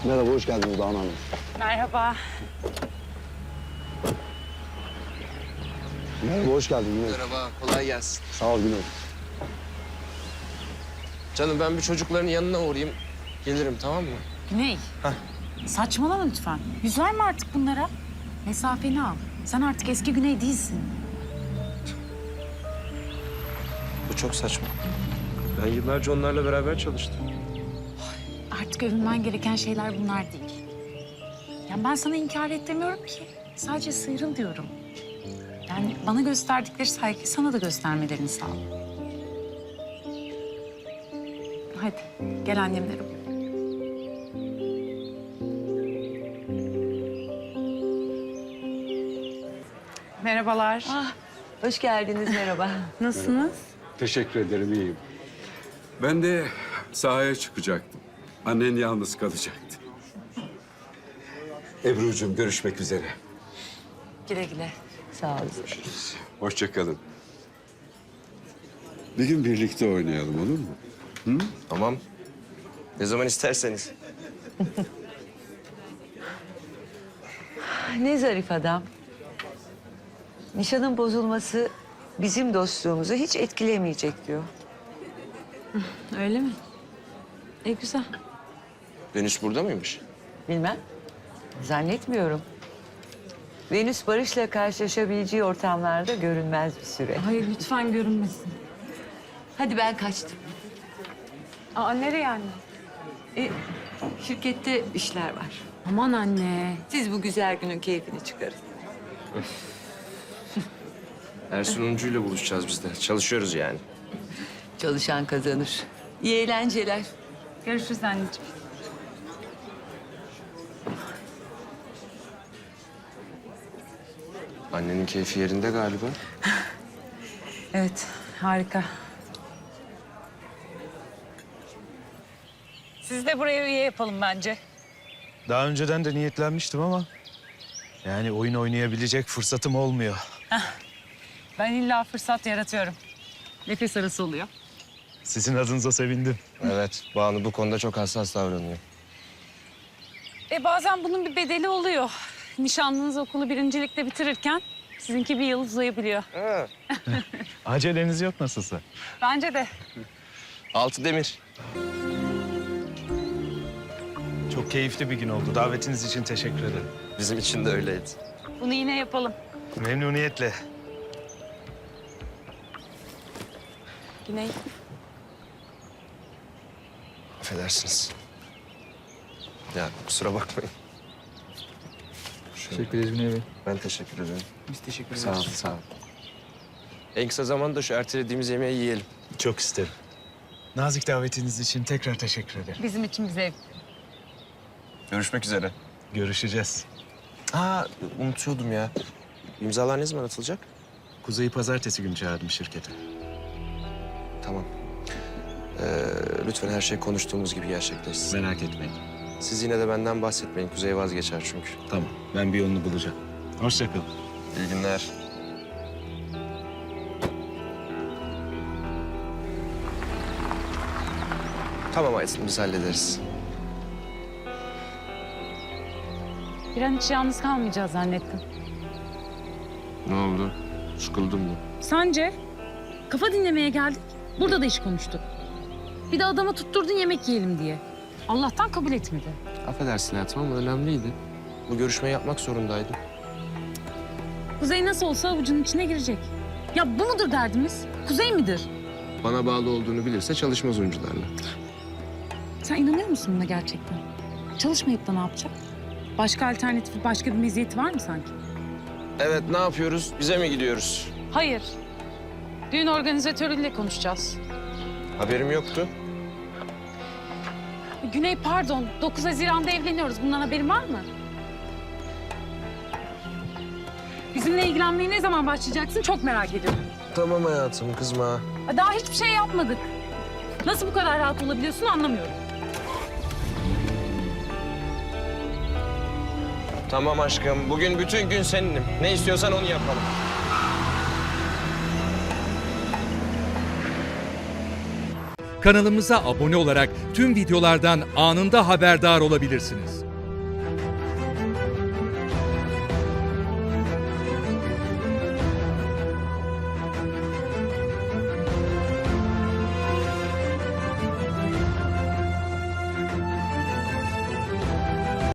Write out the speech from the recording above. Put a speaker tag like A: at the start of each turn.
A: Merhaba, hoş geldiniz Banu Hanım.
B: Merhaba.
A: Merhaba, hoş geldin Güney.
C: Merhaba, kolay gelsin.
A: Sağ ol Güney.
C: Canım ben bir çocukların yanına uğrayayım. Gelirim, tamam mı?
B: Güney. Saçmalama lütfen. Yüz verme artık bunlara. Mesafeni al. Sen artık eski Güney değilsin.
C: Bu çok saçma. Ben yıllarca onlarla beraber çalıştım.
B: Artık övünmen gereken şeyler bunlar değil. Ya ben sana inkar et demiyorum ki. Sadece sıyrıl diyorum. Yani bana gösterdikleri saygıyı sana da göstermelerini sağ ol. Hadi gel annemlere. Merhabalar.
D: Hoş geldiniz, merhaba.
B: Nasılsınız?
E: Teşekkür ederim, iyiyim. Ben de sahaya çıkacaktım. Annen yalnız kalacaktı. Ebru'cum, görüşmek üzere.
B: Güle güle.
D: Sağ olun.
E: Hoşça kalın. Bir gün birlikte oynayalım, olur mu?
C: Tamam. Ne zaman isterseniz.
D: Ne zarif adam. Nişanın bozulması bizim dostluğumuzu hiç etkilemeyecek diyor.
B: Öyle mi? Güzel.
C: Venüs burada mıymış?
D: Bilmem. Zannetmiyorum. Venüs Barış'la karşılaşabileceği ortamlarda görünmez bir süre.
B: Hayır lütfen görünmesin.
D: Hadi ben kaçtım.
B: Aa nereye anne?
D: Şirkette işler var.
B: Aman anne.
D: Siz bu güzel günün keyfini çıkarın.
C: Ersun Uncu ile buluşacağız biz de. Çalışıyoruz yani.
D: Çalışan kazanır. İyi eğlenceler.
B: Görüşürüz anneciğim.
C: Annenin keyfi yerinde galiba.
B: Evet harika. Siz de buraya üye yapalım bence.
F: Daha önceden de niyetlenmiştim ama... yani oyun oynayabilecek fırsatım olmuyor.
B: Ben illa fırsat yaratıyorum. Nefes arası oluyor.
F: Sizin adınıza sevindim.
C: Evet, Banu bu konuda çok hassas davranıyor.
B: Bazen bunun bir bedeli oluyor. Nişanlınız okulu birincilikte bitirirken sizinki bir yıl uzayabiliyor.
F: Aceleniz yok nasılsa.
B: Bence de.
C: Altı demir.
F: Çok keyifli bir gün oldu. Davetiniz için teşekkür ederim.
C: Bizim için de öyleydi.
B: Bunu yine yapalım.
F: Memnuniyetle.
B: Güney.
C: Affedersiniz. Ya kusura bakmayın.
G: Teşekkür ederiz Güney Bey.
C: Ben teşekkür ederim.
G: Biz teşekkür ederiz.
C: Sağ olun, sağ olun. En kısa zamanda şu ertelediğimiz yemeği yiyelim.
F: Çok isterim. Nazik davetiniz için tekrar teşekkür ederim.
B: Bizim için bir zevk.
C: Görüşmek üzere.
F: Görüşeceğiz.
C: Unutuyordum ya. İmzalar ne zaman atılacak?
F: Kuzey'i pazartesi günü çağırdım şirkete.
C: Tamam. Lütfen her şey konuştuğumuz gibi gerçekleşsin.
F: Merak etmeyin.
C: Siz yine de benden bahsetmeyin. Kuzey vazgeçer çünkü.
F: Tamam, ben bir yolunu bulacağım. Hoşça kalın.
C: İyi günler. Tamam Aysun, biz hallederiz.
B: Bir an hiç yalnız kalmayacağız zannettim.
C: Ne oldu? Sıkıldın mı?
B: Sence? Kafa dinlemeye geldik. Burada da iş konuştuk. Bir de adama tutturdun yemek yiyelim diye. Allah'tan kabul etmedi.
C: Affedersin hayatım ama önemliydi. Bu görüşmeyi yapmak zorundaydım.
B: Kuzey nasıl olsa avucunun içine girecek. Ya bu mudur derdimiz? Kuzey midir?
C: Bana bağlı olduğunu bilirse çalışmaz oyuncularla.
B: Sen inanıyor musun buna gerçekten? Çalışmayıp da ne yapacak? Başka alternatifi, başka bir meziyeti var mı sanki?
C: Evet, ne yapıyoruz? Bize mi gidiyoruz?
B: Hayır. Düğün organizatörüyle konuşacağız.
C: Haberim yoktu.
B: Güney pardon, 9 Haziran'da evleniyoruz. Bundan haberin var mı? Bizimle ilgilenmeye ne zaman başlayacaksın çok merak ediyorum.
C: Tamam hayatım, kızma.
B: Daha hiçbir şey yapmadık. Nasıl bu kadar rahat olabiliyorsun anlamıyorum.
C: Tamam aşkım, bugün bütün gün seninim. Ne istiyorsan onu yapalım.
G: Kanalımıza abone olarak tüm videolardan anında haberdar olabilirsiniz.